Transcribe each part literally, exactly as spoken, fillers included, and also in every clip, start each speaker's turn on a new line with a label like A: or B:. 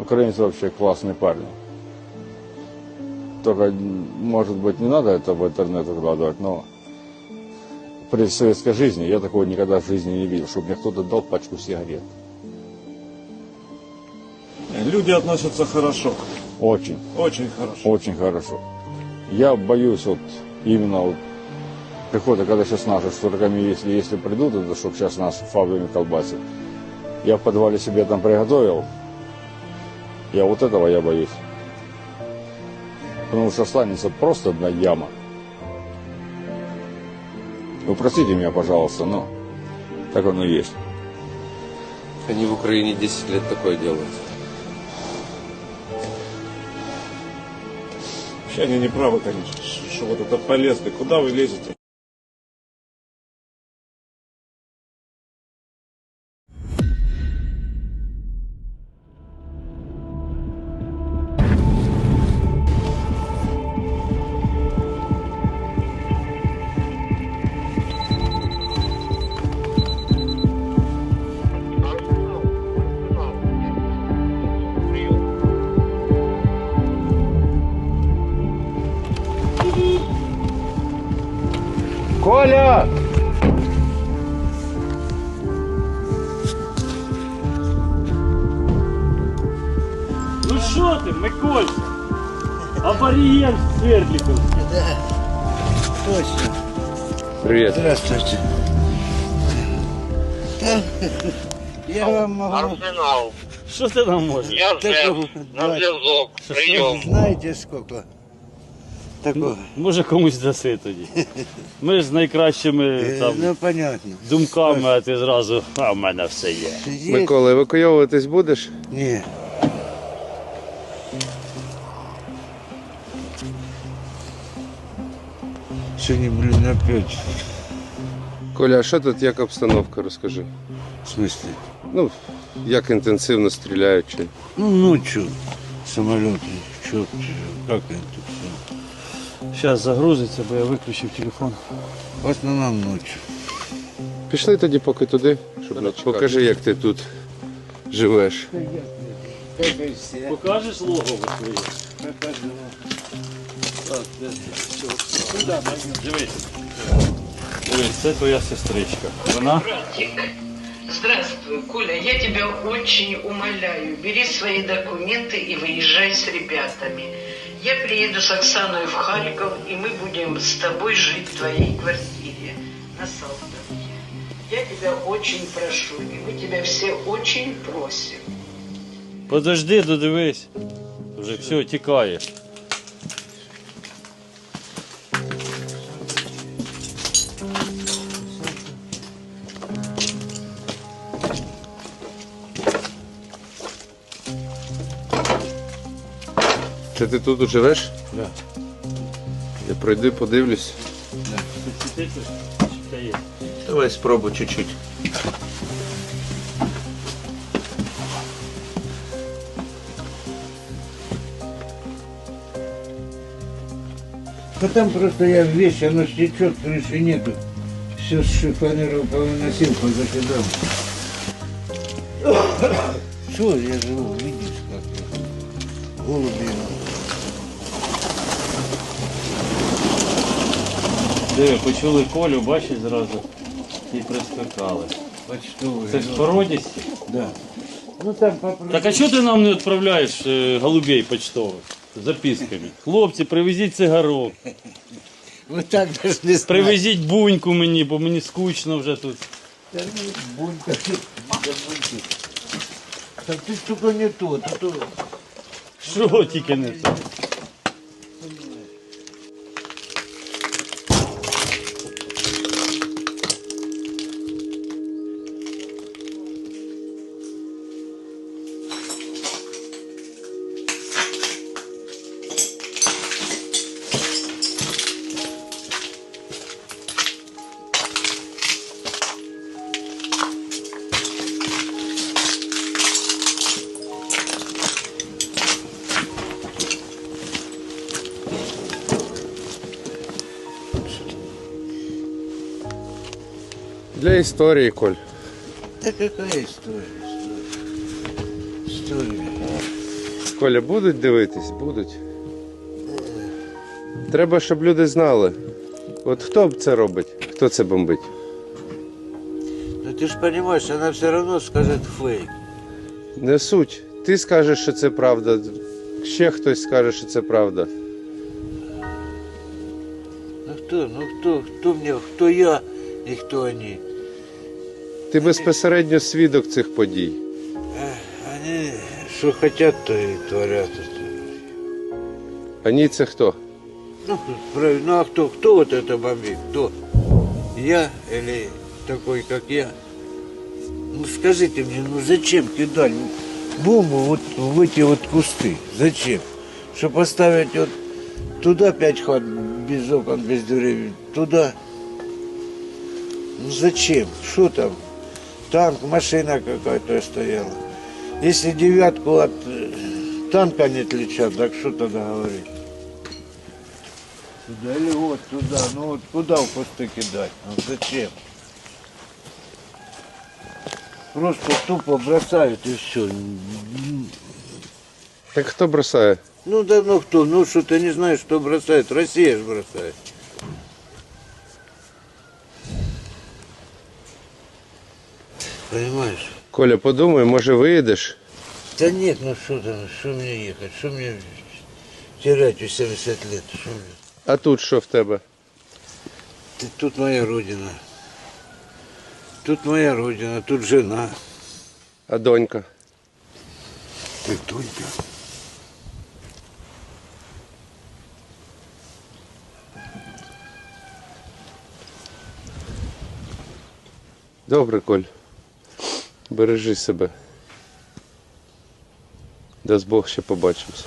A: Украинцы вообще классные парни. Только, может быть, не надо это в интернет выкладывать, но при советской жизни я такого никогда в жизни не видел, чтобы мне кто-то дал пачку сигарет.
B: Люди относятся хорошо.
A: Очень.
B: Очень хорошо.
A: Очень хорошо. Я боюсь вот именно вот прихода, когда сейчас наши с турками, если, если придут, это чтобы сейчас нас фабриками колбасят. Я в подвале себе там приготовил. Я вот этого я боюсь. Потому что останется просто одна яма. Вы простите меня, пожалуйста, но так оно и есть.
C: Они в Украине десять лет такое делают.
B: Вообще они не правы, конечно, что вот это полезли. Куда вы лезете?
A: Коля!
D: Ну що ти, Микольця? Аборієн Свердліковський.
E: Да, точно.
C: Привет.
E: Здравствуйте. Да, я вам могу...
F: Арсенал,
D: Що ти нам можеш?
F: я Жек,
E: Такого,
F: на
E: давай.
F: зв'язок, прийом.
E: Знаете сколько? Такого.
D: Може комусь даси тоді. Ми ж з найкращими
E: Э,
D: там
E: Ну, понятно.
D: думками, а ти зразу, а в мене все є.
E: Есть?
C: Микола, евакуйовуватись будеш?
E: Не. Сегодня, блин, опять.
C: Коля, а що тут, як обстановка, розкажи?
E: В смысле?
C: Ну, як інтенсивно стріляють чи...
E: Ну, ночью самолеты. Чё, как это все?
D: Зараз загрузиться, бо я виключив телефон.
E: В основном ночью.
C: Пішли тоді поки туди, щоб не чекати. Покажи, як ти тут живеш.
E: Как и все.
D: Покажеш логово своє? Дивись. Дивись, це твоя сестричка. Вона
G: Братик, здравствуй, Коля, я тебя очень умоляю, бери свои документы и выезжай с ребятами. Я приеду с Оксаной в Харьков, и мы будем с тобой жить в твоей квартире на Салтовке. Я тебя очень прошу, и мы тебя все очень просим.
D: подожди, додивись. Вже все, тікає.
C: Це ти тут живеш?
D: Да.
C: Я пройду, подивлюсь. Давай спробуй чуть-чуть.
E: Да там просто я вещь, оно стечет, крыши нету. Все с шифонеров повыносил, позакидал. Что я живу, видишь, как я. Голуби.
D: Диви, почули Колю, бачиш зразу, і прискакали.
E: Почтовые.
D: Це ж породісті.
E: Да. Ну там попробуй.
D: Так а чого ти нам не відправляєш е, голубей почтових з записками? Хлопці, привезіть цигарок,
E: Вы так даже не знаете.
D: привезіть буньку мені, бо мені скучно вже тут.
E: Да ну, бунька, да буньки. Так ты только не то, а то...
D: Що тільки не це?
C: Для історії, Коль.
E: Да какая история? История. История.
C: Коля, будуть дивитись? Будуть. Треба, щоб люди знали. От хто це робить? Хто це бомбить?
E: Ну ты же понимаешь, она все равно скажет фейк.
C: Не суть. Ти скажеш, що це правда. Ще хтось скаже, що це правда.
E: Ну кто, ну кто, кто мне, кто я и кто они?
C: Ти безпосередньо свідок цих подій.
E: Они что хотят, то и творят.
C: А ні, це хто?
E: Ну, правильно, ну а кто, кто вот это бомбит? Кто? Я или такой, как я? Ну скажите мне, ну зачем кидать бомбу вот в эти вот кусты? Зачем? Чтобы поставить вот туда пять хат без окон, без дверей, туда. Ну зачем? Что там? Танк, машина какая-то стояла. Если девятку от э, танка не отличат, так что тогда говорить? Туда или вот туда? Ну вот куда в кусты кидать? Ну зачем? Просто тупо бросают и все.
C: Так хто бросає?
E: Ну давно кто? Ну что ты не знаешь, что бросает? Россия же бросает. Понимаешь?
C: Коля, подумай, може виїдеш?
E: Да нет, ну что там, что мне ехать? Что мне терять в семьдесят лет? Что мне?
C: А тут що в тебе?
E: Ты, тут моя родина. Тут моя родина, тут жена.
C: А донька?
E: Ты Тонька.
C: Добре, Коль. Бережи себе. Дасть Бог, ще побачимось.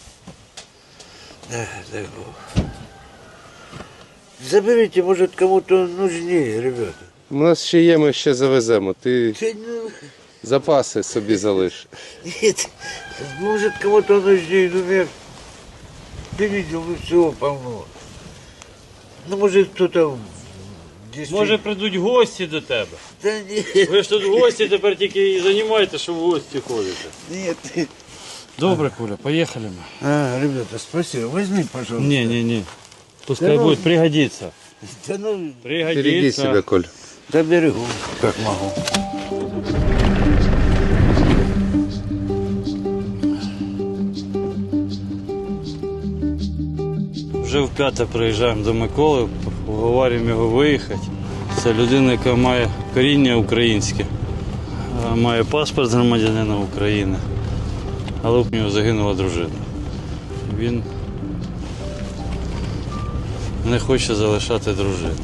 E: Да, дай Бог. Заберите, может, кому-то нужнее, ребята.
C: У нас ще є, ми ще завеземо. Ти
E: Да, ну,
C: запаси собі залиш.
E: нет, может, кому-то нужнее, ну, я... Ты видел, ну, всего полно. Ну, может, кто-то... действительно-
D: Може прийдуть гості до тебе.
E: Да нет,
D: Ви ж тут гості тепер тільки і займаєте, що в гості ходите.
E: нет.
D: Добре, Коля, поїхали ми.
E: А, ребята, спасибо. Возьми, пожалуйста.
D: Ні, ні, ні. Пускай
E: Да ну-
D: буде, пригодиться.
E: Да ну,
C: Береги
D: Пригодиться.
C: себе, Коль.
E: до берегу, как могу.
D: Вже вп'яте приїжджаємо до Миколи, уговорюємо його виїхати. Це людина, яка має коріння українське, а має паспорт громадянина України, але в нього загинула дружина. Він не хоче залишати дружину.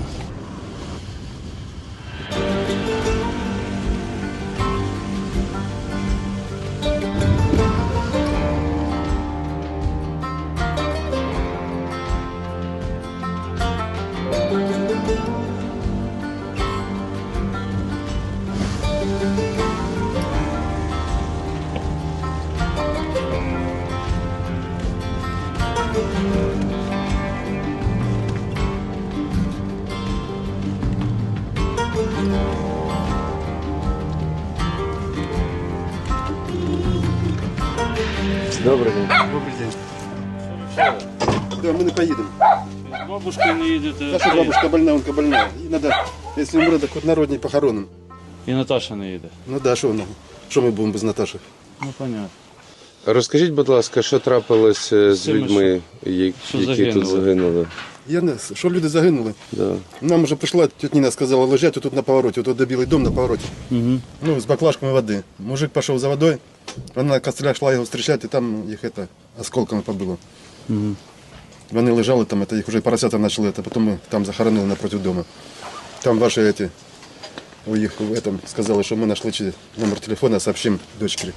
C: Добрий день.
H: Добрий день. Да, ми не поїдемо.
D: З бабушкою не їдете.
H: Наша бабушка больна, онка больна. І надо, якщо умре, так от народні похоронимо.
D: І Наташа не їде.
H: Ну да, що воно? Що ми будемо без Наташі?
D: Ну, понятно.
C: Розкажіть, будь ласка, що трапилось е, з
D: цими,
C: людьми, я-
D: що
C: які тут
D: загинули?
C: загинули?
H: Я не, що люди загинули.
C: Да.
H: Нам вже прийшла, тетя Ніна сказала, лежать тут на повороті, тут де білий дом на повороті.
D: Угу.
H: Ну, з баклажками води. Мужик пішов за водою, вона на кострях йшла його зустрічати, і там їх это, осколками побило.
D: Угу.
H: Вони лежали там, это, їх вже поросята почали, это, потім ми там захоронили напроти дому. Там ваші эти, у їх в этом сказали, що ми знайшли чи номер телефона, сообщим дочці.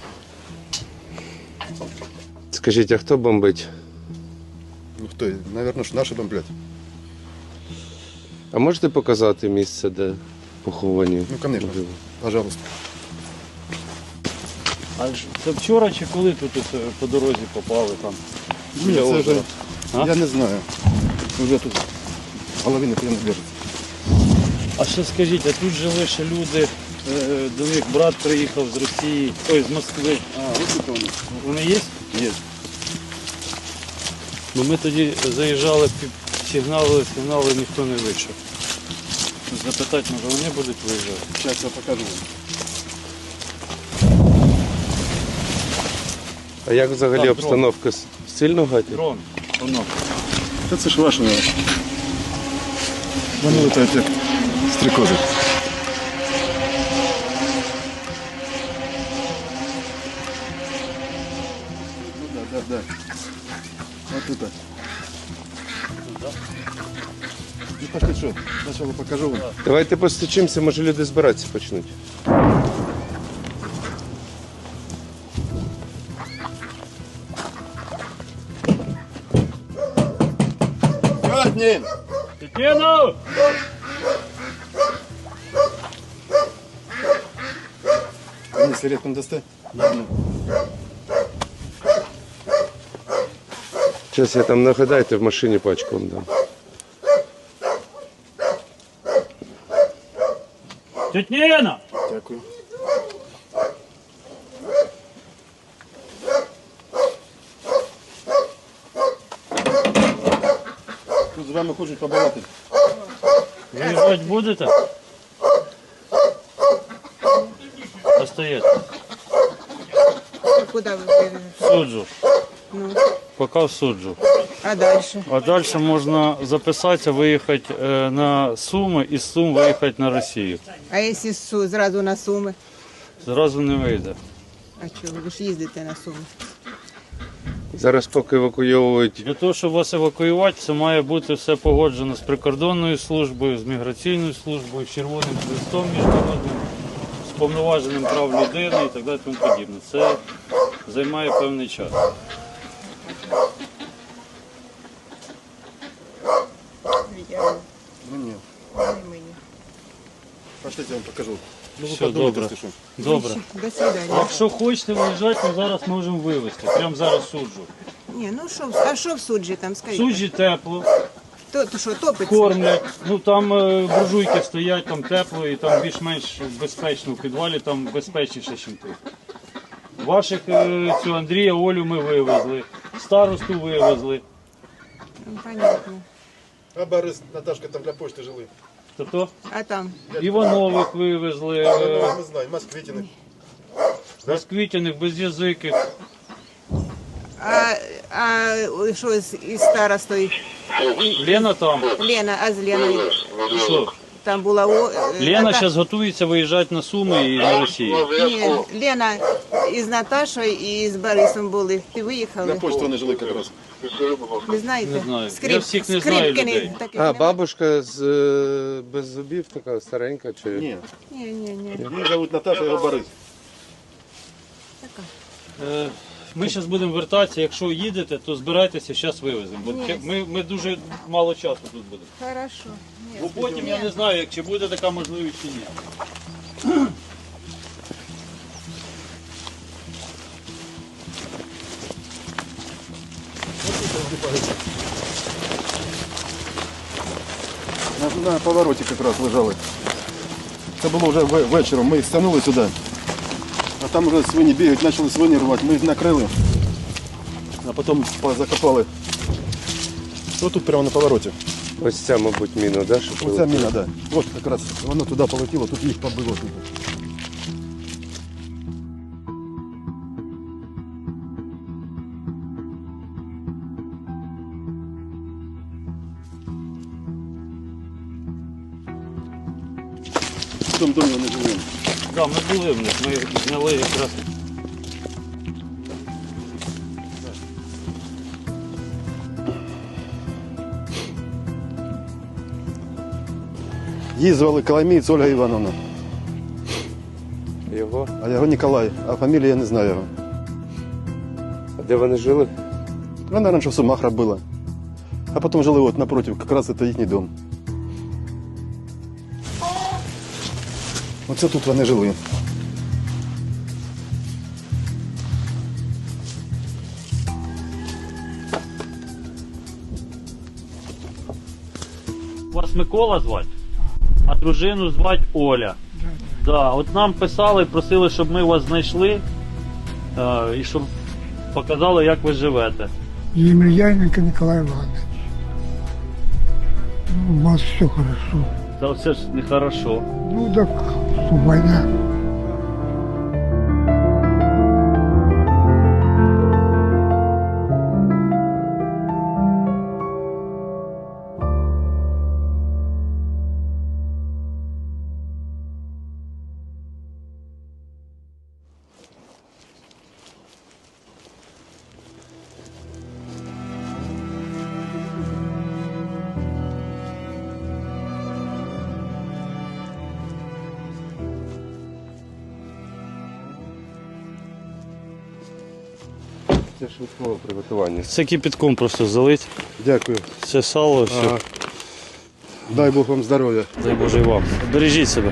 C: Скажіть, а хто бомбить?
H: Ну хто, наверное, ж наші бомблять.
C: А можете показати місце, де поховані?
H: Ну, конечно, пожалуйста.
D: А ж це вчора чи коли тут ось, по дорозі попали там?
H: Ні,
D: біля
H: це вже,
D: озера? А?
H: я не знаю. Вже тут половина прямо держиться.
D: А ще скажіть, а тут жили ще люди Е, До них брат приїхав з Росії, ой, з Москви.
H: А, вот это вони.
D: Вони є?
H: Є.
D: Бо ми тоді заїжджали, пі- сигнали, сигнали, ніхто не вийшов. Запитати, може вони будуть виїжджати?
H: Зараз я покажу вам.
C: А як взагалі
D: Так,
C: обстановка? С- Сильно гатять?
D: Дрон, воно.
H: Та це ж ваше. Вони летають як стрекози. Ну да, да, да. Вот это. Ну пошли, що, спочатку покажу вам.
C: Давайте постучимося, може люди збиратися почнуть.
H: Сьогодні!
D: Тетяно!
H: Мені сигаретку не дасте?
C: Зараз я там нагадайте, в машині пачку вам дам.
D: Тетяно!
H: Дякую. Тут з вами хочуть побалати.
D: Виїжджати будете? Остаєте.
I: Куда вы бежите?
D: Суджу.
I: Ну,
D: Поки в суджу.
I: а дальше?
D: А далі можна записатися, виїхати е, на Суми і з Сум виїхати на Росію.
I: А если су, зразу на Суми?
D: Зразу не вийде.
I: А чого? Ви ж їздите на Суми.
C: Зараз поки евакуйовують.
D: Для того, щоб вас евакуювати, це має бути все погоджено з прикордонною службою, з міграційною службою, з Червоним Хрестом міжнародним, з повноваженим прав людини і так далі тому подібне. Це займає певний час.
I: Я
H: Ну ні.
I: не мені.
H: Пошліть, я вам покажу. Ну ви
D: Все,
H: подумайте,
D: добре.
H: що.
D: Добре.
I: До свидания.
D: Якщо хочете виїжджати, ми зараз можемо вивезти. Прямо зараз суджу.
I: Ні, ну що, а що в суджі там,
D: В
I: скажіть?
D: суджі тепло,
I: То, то що, топиться?
D: кормлять. Ну там е, буржуйки стоять, там тепло і там більш-менш безпечно в підвалі, там безпечніше, ніж тут. Ваших е, цю Андрія, Олю ми вивезли, старосту вивезли.
I: Ну, понятно.
H: А Борис, Наташка там для почти жили.
D: Тобто
I: А там?
D: Іванових вивезли,
H: Ну,
D: е,
H: ми знаємо, Москвитіних.
D: Москвитяних, без'язиких.
I: А, а що з із старостою?
D: Лена там.
I: Лена, а з Леною?
D: Що?
I: Там була... О, е,
D: Лена
I: Ната-
D: зараз готується виїжджати на Суми і на Росію.
I: Ні, Лена із Наташою і з Борисом були. Ти
H: На
I: виїхали?
H: почті вони жили якраз.
I: Не знаєте?
D: Не знаю.
I: Скрип-
D: Я всіх не знаю
I: Скрипкини
D: людей.
I: таких
C: А,
I: нема?
C: бабушка з е, без зубів така старенька чи.
H: Ні.
I: Ні, ні, ні.
H: Її зовуть Наташа, його Борис.
D: Е, Ми зараз будемо вертатися. Якщо їдете, то збирайтеся, зараз вивеземо. Бо
I: Ні.
D: ми, ми дуже мало часу тут будемо.
I: Хорошо. Ні.
D: Бо потім я не знаю, як чи буде така можливість чи ні.
H: На, на повороті якраз лежали. Це було вже ве- вечором. Ми їх стягнули сюди. А там вже свині бігають, почали свині рвати. Ми їх накрили, а потім по- закопали. Ось тут прямо на повороті.
C: Ось ця, мабуть, міна, да? що
H: Оця
C: прилетіла?
H: міна, так. Да. От якраз воно туди полетіло, тут їх побило. Тут. В тому домі вони жили.
D: Так, ми були в них, ми зняли якраз.
H: Її звали Коломієць Ольга Івановна,
C: Його?
H: а його Ніколай, а фамілію я не знаю його.
C: А де вони жили?
H: Вона раніше в Сумах робила, а потім жили от напротив, якраз це їхній дом. Оце тут вони жили.
D: Вас Микола звати, а дружину звати Оля. Да, от нам писали, просили, щоб ми вас знайшли е, і щоб показали, як ви живете.
J: Емельяненко Николай Иванович. У вас все хорошо.
D: Та все ж нехорошо.
J: Ну так, что, война.
C: Це швидкого приготування.
D: Це кипятком просто залить.
H: Дякую.
D: Це сало, все.
H: Ага. Дай Бог вам здоров'я.
D: Дай Боже і вам. Бережіть себе.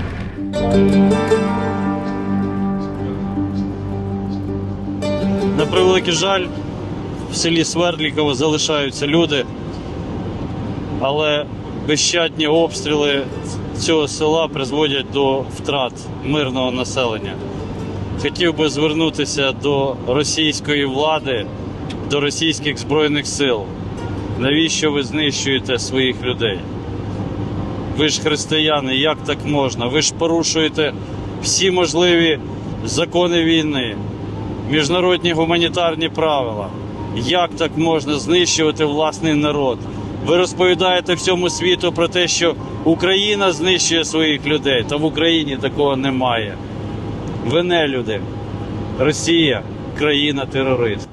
D: На превеликий жаль, в селі Свердліково залишаються люди, але безщадні обстріли цього села призводять до втрат мирного населення. Хотів би звернутися до російської влади, до російських збройних сил. Навіщо ви знищуєте своїх людей? Ви ж християни, як так можна? Ви ж порушуєте всі можливі закони війни, міжнародні гуманітарні правила. Як так можна знищувати власний народ? Ви розповідаєте всьому світу про те, що Україна знищує своїх людей, та в Україні такого немає. Ви не люди. Росія – країна-терорист.